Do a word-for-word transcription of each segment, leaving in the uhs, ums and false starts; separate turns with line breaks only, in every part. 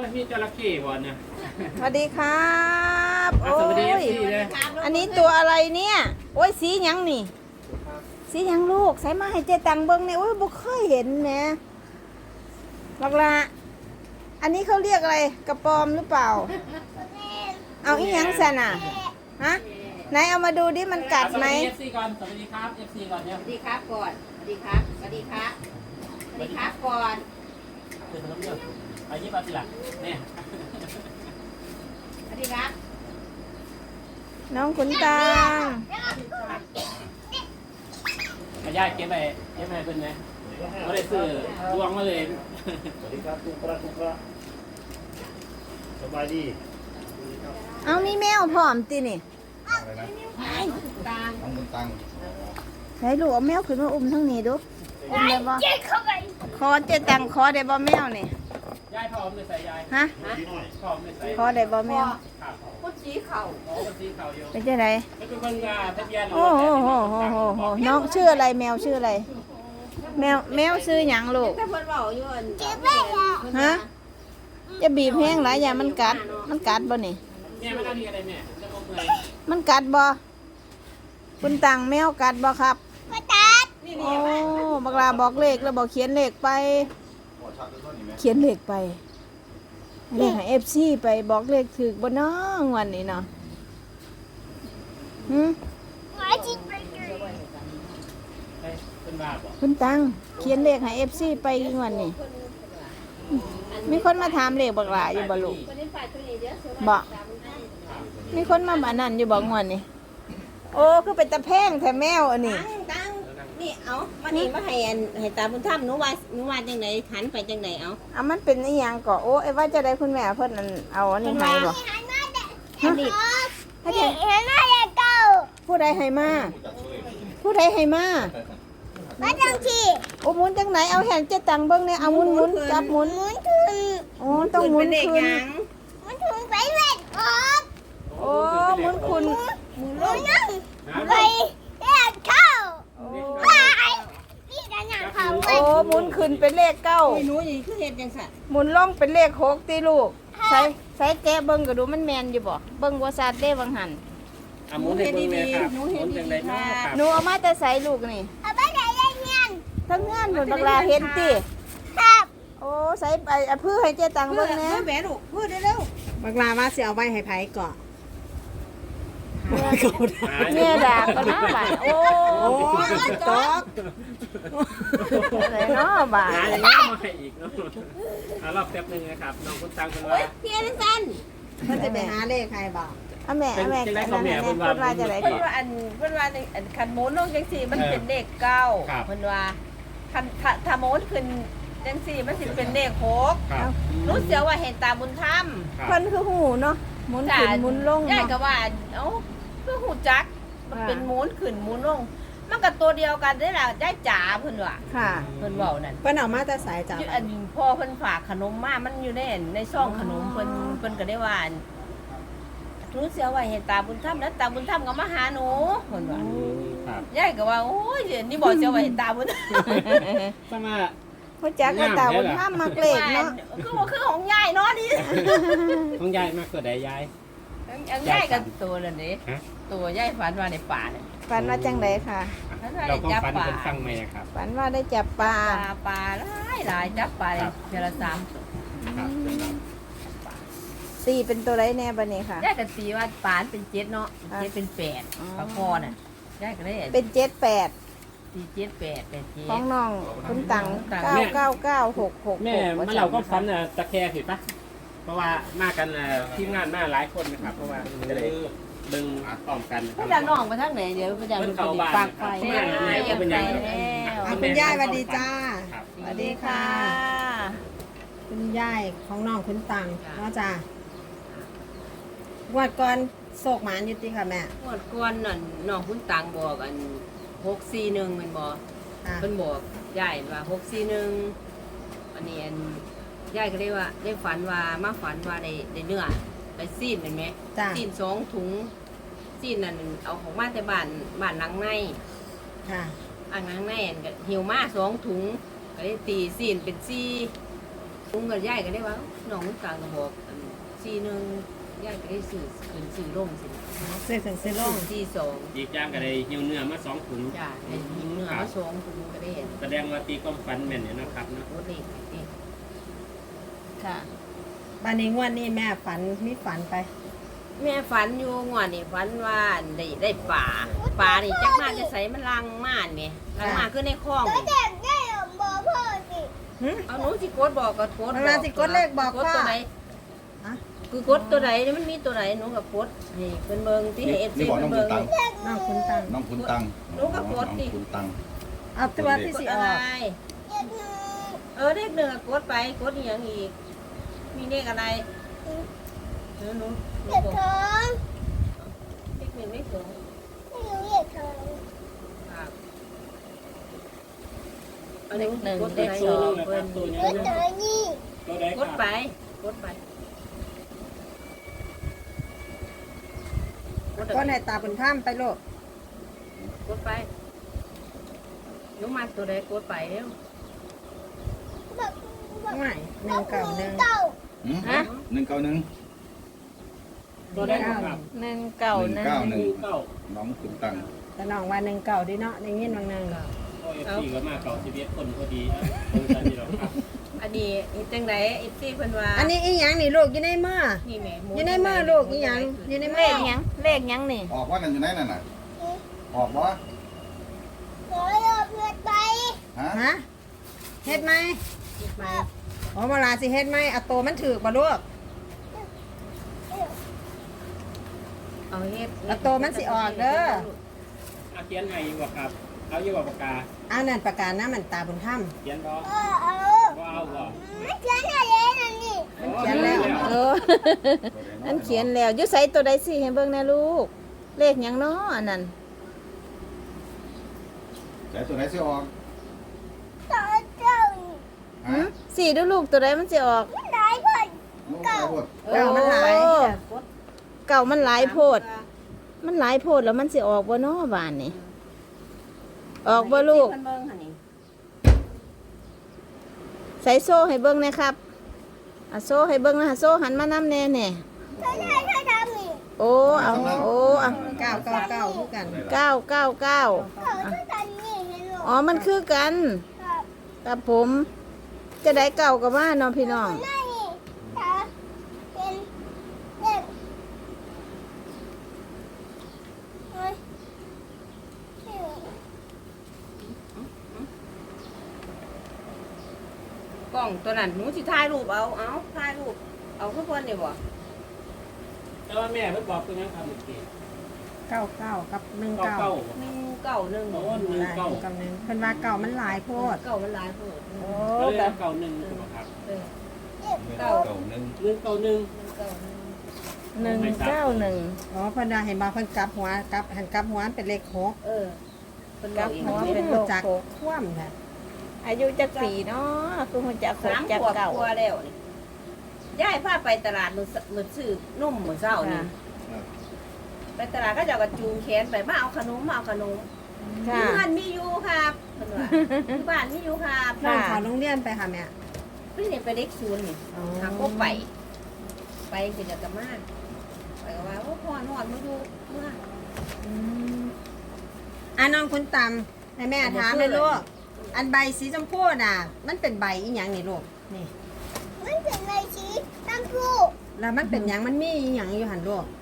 มีจระเข้บ่เนี่ย
สวัสดีครับโอ้
สวัสดี
ย
เลย
อันนี้ตัวอะไรเนี่ยโอ้ยสีหยังนี่สีหยังลูกใส่มาให้เจตังเบิ้งเนี่ยโอ้ยบ่เคยเห็นแหมบักละอันนี้เขาเรียกอะไรกระปอมหรือเปล่าเอาอีหยังซะน่ะฮะไหนเอามาดูดิมันกัดไหม
สวัสดี เอฟ ซี ก่อนสวัสดีครับ เอฟ ซี ก่อนเนี่ย
สวัสดีครับก่อนสวัสดีครับสวัสดีครับสวัสดีครับก่อน
เดี๋ยวผมเดี๋ยวไปยี่ปัสสิล่ะเนี่ย
สวัสดีครับ
น้องขุนตาง
อาญาเก็บไปเก็บไปเป็นไงเขาได้ซื้อดวงมาเลย
สวัสดีครับทุกประทุกประสบายดี
เอามีแมวพร้อมตินี่
อะไรนะ
ตาง
น้องบุญตัง
ไหนลูกเอาแมวขึ้นมาอุ้มทั้งนี้ดูอุ้มได้บ่คอเจตังคอได้บ่แมวนี่
ยายพร้อมเลยใส่ยาย
ฮะ
พี่น้อย
พร้อมเลยใส่
คอได้บ่แมว
ครับ
พุทธีเข่า
อ๋อเป็นสีขาวอยู่
เป็นจังได
ไม่เป็นคนงาทะเบียน
โอ้โหโหโหโหโหน้องชื่ออะไรแมวชื่ออะไร แมวแมวชื่อหยังลูก
ถ้าเพิ่นเว้าอยู่อัน
ฮะจะบีบแห้งหลายอย่างมันกัด มันกัดบ่นี่
แม่ไม่ต้องมีอะไรแม่จะงงเลย
มันกัดบ่คุณตังแมวกัดบ่ครับโอ้บักลาบอกเลขแล้วบอกเขียนเลขไป
หัวชักด้วยท่อนนี้ไหม
เขียนเลขไปเลขให้เอฟซีไปบอกเลขถึกบ่น้องวันนี้เนาะหืม
เฮ้ยเป็นบาปบ่
คุณตังเขียนเลขให้เอฟซีไปอีกวันนี้มีคนมาถามเลขบักลาอยู่บ่ลูก
คนนี้ฝ่ายตัวนี้เดี๋ยวเสือ
บ่มีคนมาบ้านนั่นอยู่บ่งวนนี่โอ้คือเป็นตะแพงแท้แมวอันนี้
ตั้งตั้งนี่เอามานี่มาให้อันให้ตาบุญธรรมหนูว่าหนูว่าจังได๋หันไปจังได๋เอา
อ่ะมันเป็นอีหยังก็โอ้ไอ้ว่าจะได้คุณแม่เพิ่นอันเอาอันนี้ให้บ่
อันนี้
ให้ได้ผู้ใดให้มาผู้ใดให้มาโอ้หมุนจังไหนเอาแหนเจตังเบิ่งเนี่ยเอาหมุนหมุนจับหมุนโอ้ต้องหมุน
เป็นเด็ก
คื
ห
น
ยัง
โอ้หมุนคุณ
หมุนลง
โอ้หมุนขึ้นเป็นเลขเก้า
โอ้ยหนูนี่คือเฮ็ดจังซั่น
หมุนลงเป็นเลขหกติลูกใส่ใส่แกะเบิ่งก็ดูมันแม่นอยู่บ่เบิ่งบ่ซัดเด้บางหัน
อ่ะหมุนให้เบิ่งเลยครับหมุนจังไรเนาะครับ
หนูเอามาแต่ใส่ลูกนี่ทั้งเงื่อนหนุนบักลาเห็นติโอ้ใส่ไปเอาพื้อให้เจตัง
เพื่
เบิ่
อง
แหน่
เพื่อแม่ลูกพูดเร็วๆบักลาว่าสิเอาไว้ให้ไผก่อน
เมียด่าก็น่าบาดโอ้
โอ้ยตก
อะไรเนาะบาด
หาอย่างนี้มาให้อีกเนาะอ่ะรอบแป๊บนึงนะครับน้องคุณตังเป็นว่า
เพียนสั้นเพิ่นจะไปหาเลขใครบอก
เอาแม่เอาแม่
เป็นเป็นไร
อัน
ขอ
นั้
ง
น
แม่
แม่
เพิ่
เพิ่
น
น
ว่า
ว่าจะได้
เพิ่น
ก่อน
ว่าอันเพิ่นว่าในอันคันโมนลงจังสี่มันเป็นเลขเก้า
ครับ
เพิ่นว่าคันถ้าถ้าโมนขึ้นจังสี่มันสิเป็นเลขหก
ครับ
รู้เสียว่าเห็นตาบุญธรรม
ครับ
เพิ่นคือหูเนาะหมุนขึ้นหมุนลง
ยายก็
เนาะ
ว่าเอ้าเพื่อหูจักมัน
ค่ะ
เป็นหมุนขึ้นหมุนลง มันก็ตัวเดียวกันได้ล่ะได้จ๋าเพิ่นว่า
ค่ะ
เพิ่นเว้านั่น
เพิ่นเอามาแต่สายจับ
อยู่อันพ่อเพิ่นฝากขนมมามันอยู่ในอันในซองขนมเพิ่นเพิ่นก็ได้ว่าอันรู้เสียว่าเห็นตาบุญธรรมแล้วตาบุญธรรมก็มาหาหนูเพิ่นว่า
ครับ
ยายก็ว่าโอ้ยนี่บอกเสียว่าเห็นตาบุญธรรม
สมา
ผู้จักก็ตาบุญธรรมมักเลขเนาะ
คือว่าคือของยายเนาะนี่
ของยายมากกว่าใดยาย
อันยายกับตัวนั่นนี่
ฮะ
ตัวยายฝันว่าในป่าเนี่ย
ฝันว่าจังไดค่ะ
ฝันว่า
เรา
ได้
ก็
จับ
ฟัน
ป่า
เป็นฟังไหมครับ
ฝันว่าได้จับปลา
ปลาปลาหลายหลายจับปลา
ครับ
เจละสามตัว
ครับ
ตีเป็นตัวไรแน่บัดนี้ค่ะ
ยายก็ตีว่าปลาเป็นเจ็ดเนาะ
อ่ะ
เจ็ดเป็นแปด
อ๋อ
ปลาคอน่ะยายก็ได้
เป็นเจ็ดแปด
ตีเจ็ดแปดแปดเจ็
ของ
ด
น้องคุณตัง
ตัง
เก้าเก้าเก้าหกหก
แม่เมื่อเราก็ฟันตะแคร์ผิดปะเพราะว่ามากันทีมงานมาหลายคนนะครับ เพราะว่าจะได้เบิ่งพร้อมกัน
พี่ดังน้องไปทางไหนเดี๋ยวพี่ดัง
เพิ่น
ไป
เข้าบ้าน
ปากไฟ
ครับ
แม่ยังไปแล้ว
อ่ะคุณยายสวัสดีจ้า
ครับ
สวัสดีค่ะ
คุณยายของน้องคุณตังเนาะจ้าวัดก่อนโศกหมานอยู่ติค่ะแม่
งวดก่อนนั่นน้องคุณตังบอกอันหกสี่หนึ่งมันบอก
ค่ะ
เพิ่นบอกยายว่าหกสี่หนึ่งอันนี้อันยายก็ได้ว่าได้ฝันว่ามาฝันว่าได้ได้เนื้อได้ซีนเห็นไหม
จ้า
ซีนสองถุงซีนนั่นเอาของมาแต่บ้านบ้านหลังใน
ค่ะ
อ่างหลังในอันก็หิวมาสองถุงก็ได้ตีซีนเป็นซี่ลุงกับยายก็ได้ว่าน้องกลางก็บอกอันสี่หนึ่งยายก็ได้สื่อขึ้นสื่อลงสิ
เสื้อถึงเสื้อลง
สี่สอง
อีกอย่างก็ได้หิวเนื้อมาสองถุง
จ้าในหิงเนื้อมาสองคุณก็ได้เห็น
แสดงว่าตีความฝันแม่นเนี่ยนะครับเนาะ
โคตรเล็กนี่
ค่ะ
บ้านนี้งวดนี้แม่ฝันมีฝันไป
แม่ฝันอยู่งวดนี่ฝันว่าได้ได้ป่าป่านี่จักมาจะใส่มันลังม่านแม่ลังมาคือในคลอง
เด็กได้บอกพ่อสิ
หึ
เอาหนูสิกดบอกก็กด
เวลาสิกดเลขบอก
กด
พ่อ
ตัวไหน
อะ
คือกดตัวไหนนี่มันมีตัวไหนหนูก็กดนี่เป็นเบิงที่เอฟ
นี่
ซี
บอกน้
เป็
อง
น
คุ
เบิ
ณ
ง
ตัง
น้องคุณตัง
น้องคุณตัง
ลูกกับกดดิ
น้องคุณตัง
เอาตัวที่
กด
สิ
อะ
อ
ไร
อก
เออเลขหนึ่งอะกดไปกดอหย่างอีก มีเลขอะไรหนูหนูหนูบอกเลขหนึ่งเลขสองครับอันนี้หนึ่งเลขสองเพิ่น
ตัวนี้นะตัวใด
ก
ครั
ด
บ
ไปกดไปกด
ก็ในตาเป็นถ้ำไปโลก
กดไปหนูมาตัวใดกดไปเร็ว
ง่ายหนึ่งเก่าหนึ่ง
หืมหนึ่งเก้าหนึ่ง
ตัวใดครับ
หนึ่งเก่า
หนึ่ง
นะ
เก้า
ห
หนึ่ง
นึ่งเก้า
น้องคุณตัง
แต่น้องว่าหนึ่งเก่าดีเนาะในยินบางหนึ่ง
โอ้เอฟซีก็มาเก่าชีวิตคนพอดีนะตรงกันนี่หรอกครับ
อันนี้อีจังไดอีซี่เพิ่นว่า
อันนี้อีหยังนี่ลูกอยู่ในมือ
นี่แม่
อยู่ในมือลูกอีหยังอยู่ใน
เล
มือ
ขหยังเลขหยังนี่
ออกว่านั่นอยู่ไหนนั่นน่ะออกวะฮะ
ฮะเฮ็ดไหม
คิดมา
อ๋อเวลาสิเฮ็ดไหมเอาตัวมันถือกบ่ลูก
เอาเฮ็ด
แล้วตัวมันสิออกเด้อ
อาเขียนให้อยู่บ่ครับ เอาอยู่บ่ปากกา
อันนั้นประกาศนะมันตาบุญถ้
เขียนบ่บ่เอาบ่
ำเขียนแล้ว
เออ นั่นเขียนแล้วอยุใส่ตัวใดสิให้เบิ่งแน่ลูก เลขหยังเนาะอันนั้น
แต่ตัวไหนสิออก
หื
ฮะ
มสี่ดูลูกตัวใดมันสิออก
ลูกไปหมด
เก่ามันหลาย
โอ้เก่ามันหลายโพด มันหลายโพดแล้วมันสิออกบ่เนาะบ้านนี่ออกบ่ลูก
เพิ่นเบิ่งหั่นนี่
ใส่โซ่ให้เบิ่งหนะครับอ่ะโซ่ให้เบิ่งนะโซ่หันมานำแน่แน่โอ้เอาโอ้เอา
เก้าเก้าเก้าคือกัน
เก้าเก้าเก้าอ๋อมันคือกันกับผม จะได้เก่ากับว่าเนาะพี่น้อง
กล้องตัวนั้นหนูสิถ่ายรูปเอาเอาถ่ายรูปเอาคือเพิ่นนี่บ่
แต่ว่าแม่เพิ่นบอกคือหยังครับเมื่อกี้
เก้าเก้ากับหนึ่ง
เก้า
เก้า
เก้า
หนึ่งเก้าหนึ่ง
โอ้หนึ่ง
หลาย
เก้า
กับหนึ่งเพิ่นว่าเก่ามันหลายโพด
เก้ามันหลายโพด
โอ้
ก็เลย
กั
เอาเก้าหนึ่งถูกบ่ครับ
เออ
เก้าหนึ่ง
หนึ่งเก้าหนึ่ง
หนึ่งเก้าหนึ่ง
หนึ่งเก้าหนึ่ง
อ๋อเพิ่นว่าเห็นบ่เพิ่นกลับหัวกลับหันกลับหัวเป็นเลขหก
เออเพิ่นบ
กั
อบ กอีก
หัว
ว่า
เป็นโล
รู้
ก
จัก
โก
คว่ำค่ะ
อายุจักปีเนาะคือหัวจักโก
สาม
จัก
ขวบ
เก่าก
ว่าแล้วนี่ยายพาไปตลาดมื้อสมื้อซื้อนุ่มมื้อเช้านี่ ไปตลาดก็จะกระจูงแขนไปมาเอาขนมมาเอาขนม
ค่ะ
ที่บ้านมีอยู่ครับเพิ่นว่าที่บ้านมีอยู่ครับ
น้องเขาโรงเรียนไปค่ะแม่
พี่นี่ไปเด็กศูนย์นี่
อ๋อ
หาก็ไป ไปคือจะกลับมาไปก็ว่าโอ้พ่อนอนมาอยู่เมื่อ
อืมอ่ะน้องคุณตำให้แม่ถามเลยลูกอันใบสีชมพูน่ะ มันเป็นใบอีหยังนี่ลูกนี่แล้วมันเป็นหยังมันมีอีหยังอยู่หันลูก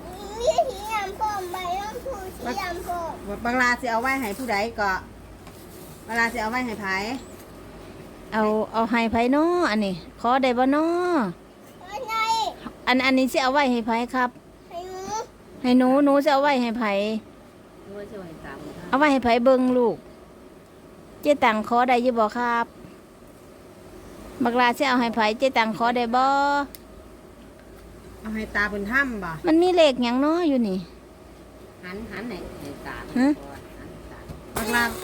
บางลาสิเอาไว้ให้ผู้ใดก็เวลาสิเอาไว้ให้ไผ
เอาเอาให้ไผเนาะอันนี้ขอได้บ่เนาะอันอันนี้สิเอาไว้ให้ไผครับ ให้หนูหนูสิเอาไว้ให้ไผ
เมื่อช่วยตามนะ
เอาไว้ให้ไผเบิ่งลูก เจ๊ตังขอได้อยู่บ่ครับบักลาสิเอาให้ไผเจ๊ตังขอได้บ่
เอาให้ตาบุญถ้ำบ่
มันมีเลขหยังเนาะอยู่นี่
หันหันให้ให้ตาม
ฮะ
หันตาม
บางลา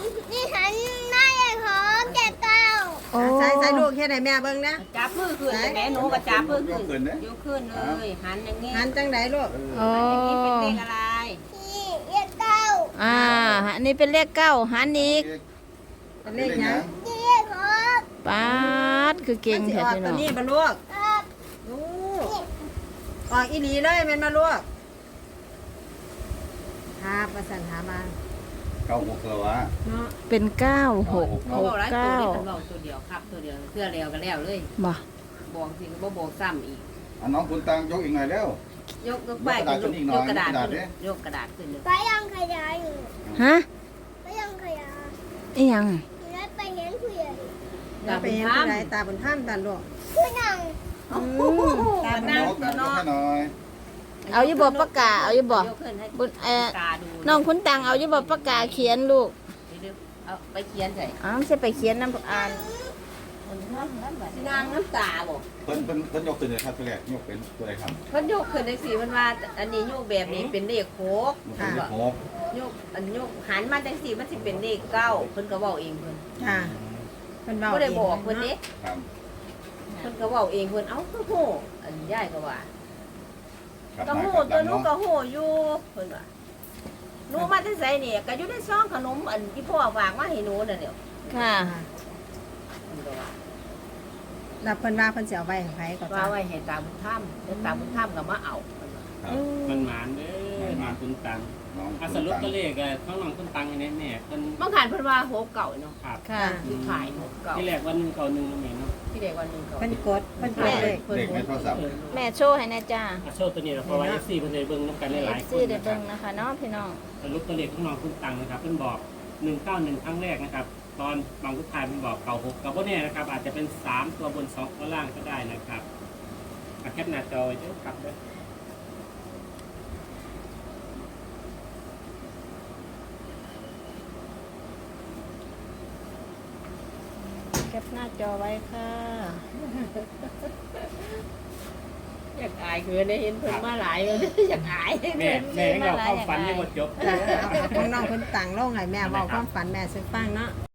โอ้
ใส่ใส่ลูกเฮ็ดให้แม่เบิ่งนะ
จับมือขึ้นแต่แม่หนูก็จับมือขึ้นยกขึ้นเลย หันอย่างงี้
หันจังไดลูก
โอ้
อันนี้เป็นเลขอะไร
อ่าอันนี้เป็นเลขเก้าหันอีก
เป็นเลขหยัง
เ
ป๊าดคือเก่ง
มันสิ
แท้
ออก
พี่
ตั
น้
ว
อง
นี้บ่ลูกลูกออกอีหลีเลยแม่นมาลูกครับประสันหามา
เก้าหกเลยวะ
เนาะ
เป็นเก้าหก
บ่
ห
บ
ก
อกหลายตัว
เก้า
นี่เพิ่นบอกตัวเดียวครับตัวเดียวเพื่อแล้วก็แล้วเลย
บ่
บอกสิก็บ่บอกซ้ำอีก
อันน้องคุณตังยกอีกหน่อยเร็วย
กยกไป
ยกกระดาษขึ้นอีกหน่
ย
อย
กกระดาษ
กระดาษ
ขึ้น
ดิ
ยกกระดาษขึ้นเลย
ไปยังขยายอยู่
ฮะ
ไปยังขยาย
อีหยัง
แล้วไปเห็นผู้ใหญ่
แล้วไปเห็นผู้ใดตาบนถ้ำตาลูก
ผู้นั่ง
อืมตาบน
ยกยกให้หน่อย
เอาอยู่บ่ปากกาเอาอยู่บ่
ยกขึ้นให้
บุญเอ่อ
ตาดู
น้องคุณตังเอาอยู่บ่ปากกาเขียนลูก
เดี๋ยวๆเอาไปเขียนใส่
อ้าวไม่ใช่ไปเขียนน้ำอ่าน
สินางน้ำตาบ่
เพิ่นเพิ่นเพิ่นยกตัวไหนครับตัวแรกยกเป็นตัวไหนครับ
เพิ่นยกขึ้นได้สิมันว่าอันนี้ยกแบบนี้เป็นเลขโคก
ยกเป็นเลขหก
ยกอันยกหันมาจังซี่มันสิเป็นเลขเก้าเพิ่นก็เว้าเองเพิ่น
ค่ะเพิ่นเว้า
บ่ได้บอก
ง
เพิ่นเด้
ครับ
เพิ่นก็เว้าเองเพิ่นเอ้าคือโหอันยายก็ว่า
ครับ
ก็โห
ครับ
ตัวหนู
เนาะ
ก็โหอยู่เพิ่นว่าหนูมาแต่ไสนี่ก็อยู่ในซองขนมอันที่พ่อฝากมาให้หนูน่ะเดี๋ยว
ค่ะ
เพิ่นก็ว่า
แล้วเพิ่นว่าเพิ่นสิเอาไว้ให้ไผก็
ว่า
จ้า
ไว้ให้ตาบุญธรรมแล้วตาบุญธรรมก็มาเอาเพิ่นว่า
ครับ
มันหมานเด้อหมานคุณตัง
น้อง
อาสรุปก็เลขอะข้างหลังคุณตังอันนี้แม่เพิ่น
บางคันเพิ่นว่าโหเก่าเนาะ
ครับ
ค่ะ
คือขายโหเก่า
ที่แรกวันหนึงเก่าหนึ่งนะแม่เนาะ
ที่เด็กวันหนึงเก่า
เพิ่นกดเพิ่นกดเลย
เด็กในโทรศัพท์
แม่โชว์ให้แน่จ้า
อาโชคตัวนี้เราเพราะว่า เอฟ ซี เพิ่นได้เบิ่งนํกันหลายๆค
ซี
น
ได้
นะครั
เบิ่
บ
งนะคะเนาะพี่น้อง
สรุปตัวเลขของน้องคุณตังนะครับเพิ่นบอกหนึ่งเก้าหนึ่งครั้งแรกนะครับ ตอนบางทุกทายเพิ่นบอกเก่าหกกับบ่แน่นะครับ อาจจะเป็นสามตัวบนสองตัวล่างก็ได้นะครับอ่ะแคปหน้าจอไว้เด้อครับเด้อ
แคปหน้าจอไว้ค่ะ
อยากอายคือได้เห็นเพิ่นมาหลายเลยอยากอาย
แม่แม่ให้เราเข้าฝันยังบ่จบ
จ้าเอาเอาของน้องเพิ่นตังลงให้แม่เว้าความฝันแม่ซึ่งฟังเนาะ